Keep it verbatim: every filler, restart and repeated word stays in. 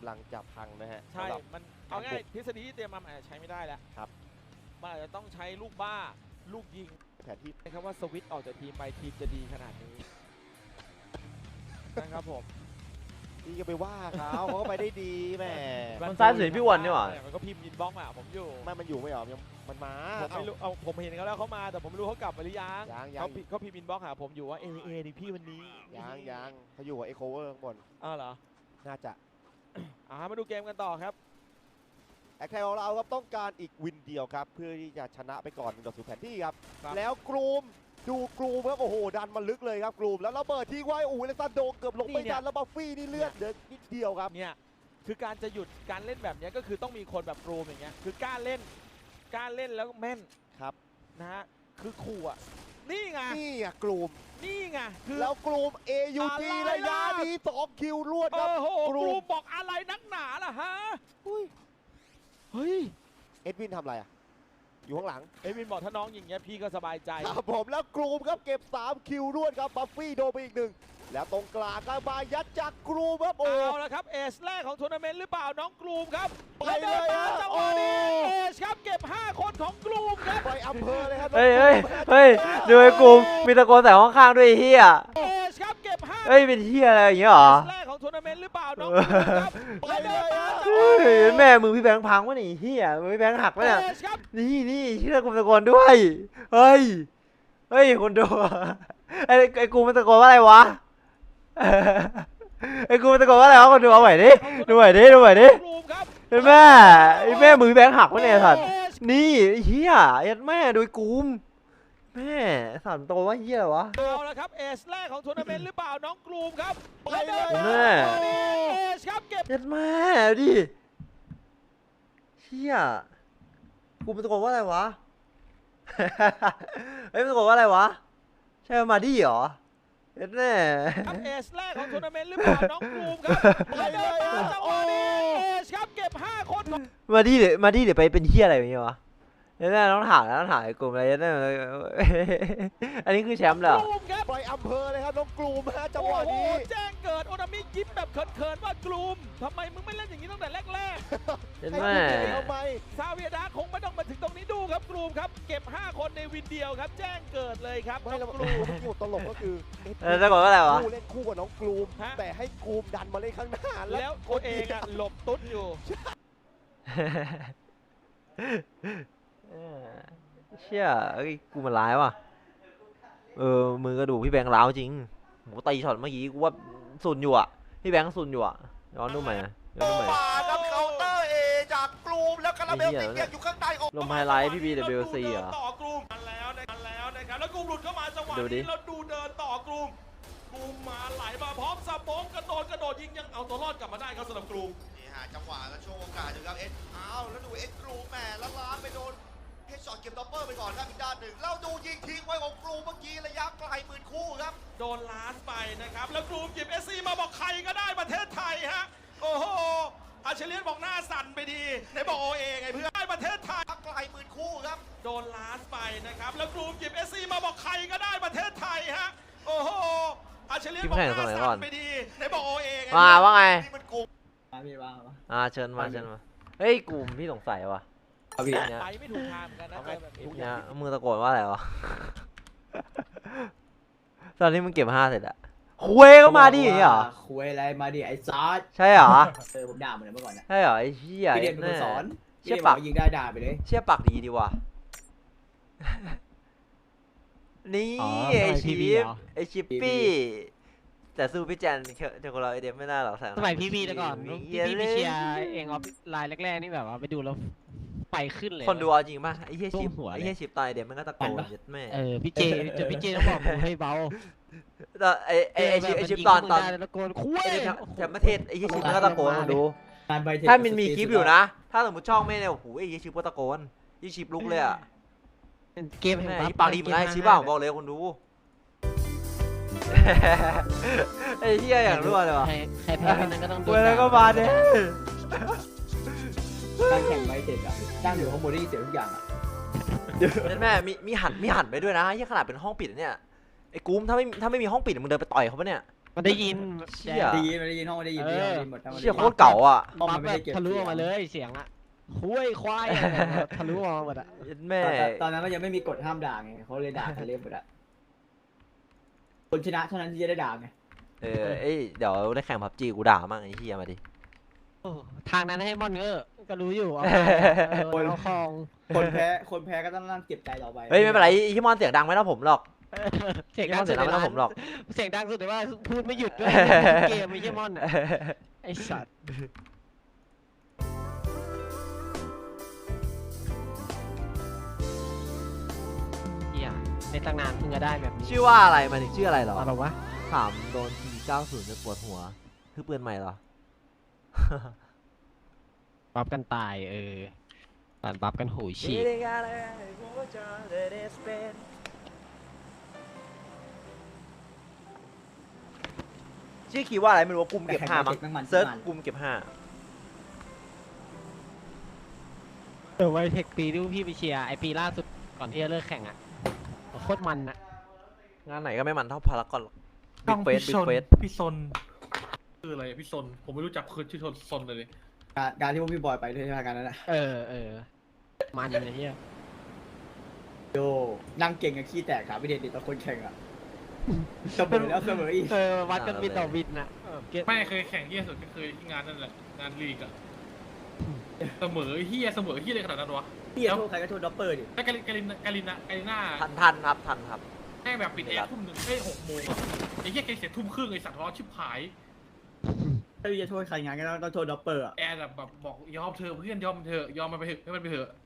ำลังจับพังนะฮะใช่มันเอาง่ายทฤษฎีที่เตรียมมาอาจจะใช้ไม่ได้แล้วครับมันอาจจะต้องใช้ลูกบ้าลูกยิงแผนที่นะครับว่าสวิตช์ออกจากทีมไปทีมจะดีขนาดนี้นะครับผมพี่ก็ไปว่าเขาเขาก็ไปได้ดีแม่มันซ้ายสุดพี่วันนี่หว่ามันก็พิมพ์ยินบล็อกมาผมอยู่ไม่มันอยู่ไม่หรอยังมันมาผมไม่รู้เอาผมเห็นเขาแล้วเขามาแต่ผมไม่รู้เขากลับมาหรือยังยังยังเขาเขาพิมพ์ยินบล็อกหาผมอยู่ว่าเอเอดิพี่วันนี้ยังยังเขาอยู่กับเอโคเวอร์ข้างบนอ้าวเหรอน่าจะอ่ามาดูเกมกันต่อครับแอคไทยของเราครับต้องการอีกวินเดียวครับเพื่อที่จะชนะไปก่อนหนึ่งต่อศูนย์แผนที่ครับแล้วกรูมดูกรูมครับโอ้โหดันมาลึกเลยครับกรูมแล้วระเบิดทิ้งไว้โอ้โหเลซันโดเกือบลงไม่ทันแล้วบัฟฟี่นี่เลือดเดินนิดเดียวครับเนี่ยคือการจะหยุดการเล่นแบบนี้ก็คือต้องมีคนแบบกรูมอย่างเงี้ยคือกล้าเล่นกล้าเล่นแล้วแม่นครับนะฮะคือขู่อ่ะนี่ไงนี่ไงกรูมนี่ไงคือแล้วกรูม เอ ยู จี ระยะนี้สองคิวรวดครับโอ้โหกรูมบอกอะไรนักหนาล่ะฮะเฮ้ยเฮ้ยเอ็ดวินทำอะไรอ่ะอยู่ข้างหลังเอ็ดวินบอกถ้าน้องอย่างเงี้ยพี่ก็สบายใจครับผมแล้วกรูมครับเก็บสามคิวรวดครับบัฟฟี่โดนไปอีกหนึ่งแล้วตรงกลางก็มายัดจากกรูมครับโอ้เอาละครับเอสแรกของทัวร์นาเมนต์หรือเปล่าน้องกรูมครับไปเลยฮะจังหวะนี้เอสครับเก็บห้าคนของกรูมครับไปอำเภอเลยครับเฮ้ยเฮ้ยเฮ้ยดูไอ้กลุ่มมีตะโกนใส่ห้องข้างด้วยเฮียเอสครับเก็บห้าเฮ้ยเป็นเฮียอะไรอย่างเงี้ยหรอแรกของทัวร์นาเมนต์หรือเปล่าน้องกรูมครับไปเลยฮะเฮ้ยแม่มือพี่แบงค์พังวะนี่เฮียมือพี่แบงค์หักวะเนี่ยนี่นี่เชื่อกลุ่มตะโกนด้วยเฮ้ยเฮ้ยคนดูไอ้ไอ้กลุ่มมันตะโกนว่าอะไรวะไอ้กูมันตะโกนว่าอะไรวะคนดูเอาใหม่ดิดูใหม่ดิดูใหม่ดิไอ้แม่ไอ้แม่มือแบงค์หักวะเนี่ยสัตว์นี่เฮียไอ้แม่ดูกูมแม่สัตว์โตว่าเฮียอะไรวะเอาละครับเอสแรกของทัวร์นาเมนต์หรือเปล่าน้องกรูมครับไปเลยแม่เอสครับเก็บไอ้แม่ดิเฮียกูมันตะโกนว่าอะไรวะเฮ้ยมันตะโกนว่าอะไรวะใช่มาดิเหรอเอ็ดแน่ครับเอสแรกของทัวร์นาเมนต์หรือเปล่าน้องกรูมครับไปเลยจังหวะนี้เอสครับเก็บห้าคนมาดิเดี๋ยวมาดิเดี๋ยวไปเป็นเฮียอะไรอย่างเงี้ยวะเอ็ดแน่ต้องถามแล้วต้องถามไอ้กลุ่มอะไรเอ็ดแน่อันนี้คือแชมป์เหรอไปอำเภอเลยครับน้องกรูมฮะจังหวะนี้แจ้งเกิดโอนามิยิ้มแบบเขินๆว่ากรูมทำไมมึงไม่เล่นอย่างนี้ตั้งแต่แรกๆเอ็ดแม่ทำไมซาเวียดาคงไม่ต้องมาถึงตรงนี้ดูครับกรูมครับเก็บห้าคนในวินเดียวครับแจ้งเกิดเลยครับไม่แล้วกรูมที่ตลกก็คือเออจะบอกว่าอะไรวะคู่เล่นคู่กับน้องกรูมแต่ให้กรูมดันมาเล่นข้างหน้าแล้วตัวเองอะหลบตุ๊ดอยู่เชี่ยไอ้กูมันร้ายว่ะเออมือกระดูกพี่แบงค์ร้าวจริงหมูตีช็อตเมื่อกี้กูว่าสุนอยู่อ่ะพี่แบงค์สุนอยู่อ่ะย้อนดูใหม่ย้อนดูใหม่มาครับเคาน์เตอร์เอจากกรูมแล้วคาราเมลติเกียอยู่ข้างใต้ลมไฮไลท์พี่บี ดับเบิลยู ซี อ่ะต่อกรูมมาแล้วมาแล้วนะครับแล้วกรูมหลุดเข้ามาจังหวะนี้แล้วดูเดินต่อกรูมกรูมมาไหลมาพร้อมสปองกระโดดกระโดดยิงยังเอาตัวรอดกลับมาได้ครับสำหรับกรูมนี่ฮะจังหวะและช่วงโอกาสอยู่ครับเอ็ดอ้าวแล้วดูเอ็ดกรูมแหมแล้วล้างไปโดนเฮดช็อตเก็บด็อปเปอร์ไปก่อนครับอีกด้านหนึ่งแล้วดูยิงทิ้งไว้ของกรูมเมื่อกี้ระยะไกลหมื่นคู่ครับโดนล้านไปนะครับแล้วกรูมหยิบเอสซีมาบอกใครก็ได้ประเทศไทยฮะโอ้โหอาเชเลียนบอกหน้าสั่นไปดีไหนบอกโอเอไงเพื่อนได้ประเทศไทยไกลหมื่นคู่ครับโดนล้านไปนะครับแล้วกรูมหยิบเอสซีมาบอกใครก็ได้ประเทศไทยฮะโอ้โหอาเชเลียนบอกหน้าสั่นไปดีไหนบอกโอเอไงมาว่าไงนี่มันกลุ่มมาพี่มาอ่าเชิญมาเชิญมาเฮ้ยกลุ่มพี่สงสัยว่ะไปไม่ถูกทางกันนะแบบนี้มือตะโกนว่าอะไรวะตอนนี้มึงเก็บห้าเสร็จอะคุยก็มาดิเหรอคุยอะไรมาดิไอ้ซอสใช่เหรอเออผมด่าเหมือนเมื่อก่อนนะใช่เหรอไอ้เชี่ยพี่เด่นเป็นคนสอนเชี่ยปากยิงได้ด่าไปเลยเชี่ยปากดีดีว่ะนี่ไอชิปไอชิปปี้แต่สู้พี่แจนเจ้าของเราไอเดมไม่น่าหรอกสมัยพี่พีแต่ก่อนพี่พีไปเชียร์เองออฟไลน์แรกๆนี่แบบว่าไปดูแล้วไปขึ้นเลยคนดูเอาจริงป่ะไอเฮียชิปไอเฮียชิปตายเดมมันก็ตะโกนยัดแม่เออพี่เจเจพี่เจต้องบอกกูให้เบาตอนไอไอไอชิปไอชิปตอนตอนตะโกนคุยแถมประเทศไอเฮียชิปมันก็ตะโกนคนดูถ้ามันมีคลิปอยู่นะถ้าสมมติช่องไม่เนี่ยโอ้โหไอเฮียชิปก็ตะโกนไอชิปลุกเลยอ่ะเกมแห่งปากดีเหมือนไอชิปบ้าบอกเลยคนดูไอ้เหี้ยอย่างรั่วเลยวะใครแพ้ไปนั้นก็ต้องโดนแล้วก็มาเด้การแข่งใบเด็กอ่ะตั้งอยู่ข้างบนได้ยินเสียงทุกอย่างอ่ะแม่มีมีหันมีหันไปด้วยนะยี่ขนาดเป็นห้องปิดเนี่ยไอ้กูมถ้าไม่ถ้าไม่มีห้องปิดมึงเดินไปต่อยเขาปะเนี่ยมันได้ยินเชี่ยได้ยินได้ยินห้องได้ยินได้ยินหมดทั้งหมดเชี่ยโคตรเก่าอ่ะห้องบัมัฟนไม่แบได้บเก็บทะลุออกมาเลยเสียงอะคุยควายอะไรแบบทะลุออกมาหมดอะแม่ตอนนั้นมันยังไม่มีกฎห้ามด่าไงเขาเลยด่ากันเล่นหมดอะคนชนะเท่านั้นที่จะได้ด่าไงเออเอ้ยเดี๋ยวได้แข่งพับจีกูด่ามั่งไอ้เหี้ยมาดิโอ้ทางนั้นให้มอนเออก็รู้อยู่เอาไปเอาคลองคนแพ้คนแพ้ก็ต้องนั่งเก็บใจต่อไปเฮ้ยไม่เป็นไรไอ้ที่มอนเสียงดังไม่เท่าผมหรอกเสียงที่ดัมอง นสุเสียดงดังไม่เท่าผมหรอกเสียงดังสุดแต่ว่าพูดไม่หยุดด้วยเกมไม่ใช่มอนอะไอสัตว์เฮียในตั้งนานเพิ่งจะได้แบบนี้ชื่อว่าอะไรมาถึงชื่ออะไรเหรออะไรวะถามโดนทีเก้าศูนย์จะปวดหัวคือปืนใหม่เหรอบัฟกันตายเออตัดบัฟกันหูฉีกชื่อคีย์ว่าอะไรไม่รู้ว่ากลุ่มเก็บห้ามั้งแข่งไว้เทคแม่งมันเซิร์ชมันกลุ่มเก็บห้าเออไวเทคปีที่พี่ไปเชียร์ไอปีล่าสุดก่อนที่จะเลิกแข่งอ่ะโคตรมันอ่ะงานไหนก็ไม่มันเท่าพารากอนหรอกบิ๊กเฟสบิ๊กเฟสพี่ซนคืออะไรพี่ซนผมไม่รู้จักคือชื่อซนเลยการการที่พวกพี่บอยไปด้วยใช่ไหมการนั้นอะเออเออมันเลยเฮียโยนั่งเก่งกับขี้แตกขาไม่เด็ดติดต่อคนแข่งอะเสมอแล้วเสมออีกเออวัดกันบินต่อบินนะเออเก็ตไม่เคยแข่งเฮียสุดก็คือที่งานนั่นแหละงานลีกอะเสมอเฮียเสมอเฮียอะไรขนาดนั้นวะพี่จะโทษใครก็โทษด็อปเปอร์ดิแล้วกาลินกาลินกาลินกาลิน่าทันทันครับทันครับแม่งแบบปิดแอร์ทุ่มหนึ่งเอ้ยหกโมงอะไอ้เฮียแกเสียทุ่มครึ่งไอ้สัตว์ร้อนชิบหายถ้าพี่จะโทษใครงานก็ต้องต้องโทษด็อปเปอร์อะแอร์แบบบอกยอมเธอเพื่อนยอมเธอยอมมันไปเถอะให้มันไปเถอะ